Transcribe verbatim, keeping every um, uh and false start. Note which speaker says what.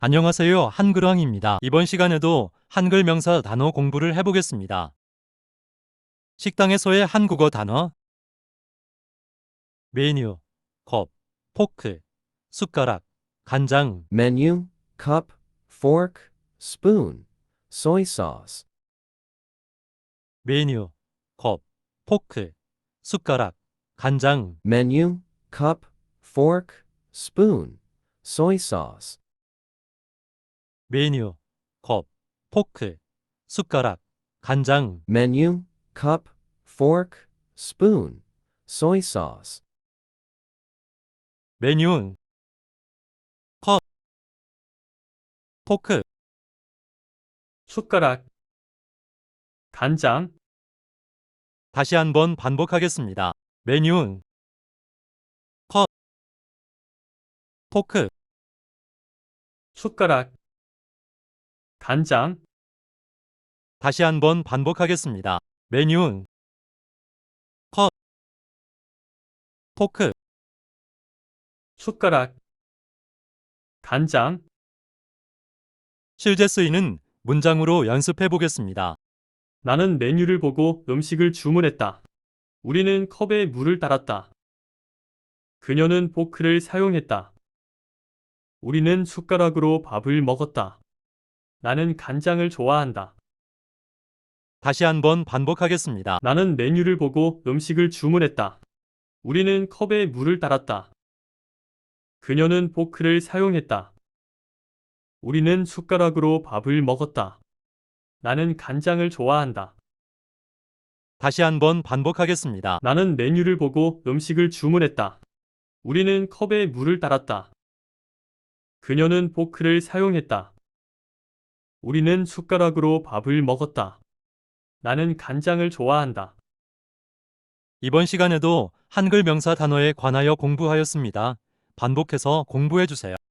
Speaker 1: 안녕하세요. 한글왕입니다. 이번 시간에도 한글 명사 단어 공부를 해보겠습니다. 식당에서의 한국어 단어 메뉴, 컵, 포크, 숟가락, 간장
Speaker 2: menu, cup, fork, spoon, soy sauce,
Speaker 1: 메뉴, 컵, 포크, 숟가락, 간장
Speaker 2: menu, cup, fork, spoon, soy sauce,
Speaker 1: 메뉴, 컵, 포크, 숟가락, 간장
Speaker 2: menu, cup, fork, spoon, soy sauce,
Speaker 1: 메뉴, 컵, 포크,
Speaker 3: 숟가락, 간장,
Speaker 1: 다시 한번 반복하겠습니다. 메뉴, 컵, 포크,
Speaker 3: 숟가락, 간장,
Speaker 1: 다시 한번 반복하겠습니다. 메뉴, 컵, 포크,
Speaker 3: 숟가락, 간장.
Speaker 1: 실제 쓰이는 문장으로 연습해 보겠습니다.
Speaker 3: 나는 메뉴를 보고 음식을 주문했다. 우리는 컵에 물을 따랐다. 그녀는 포크를 사용했다. 우리는 숟가락으로 밥을 먹었다. 나는 간장을 좋아한다.
Speaker 1: 다시 한번 반복하겠습니다.
Speaker 3: 나는 메뉴를 보고 음식을 주문했다. 우리는 컵에 물을 따랐다. 그녀는 포크를 사용했다. 우리는 숟가락으로 밥을 먹었다. 나는 간장을 좋아한다.
Speaker 1: 다시 한번 반복하겠습니다.
Speaker 3: 나는 메뉴를 보고 음식을 주문했다. 우리는 컵에 물을 따랐다. 그녀는 포크를 사용했다. 우리는 숟가락으로 밥을 먹었다. 나는 간장을 좋아한다.
Speaker 1: 이번 시간에도 한글 명사 단어에 관하여 공부하였습니다. 반복해서 공부해 주세요.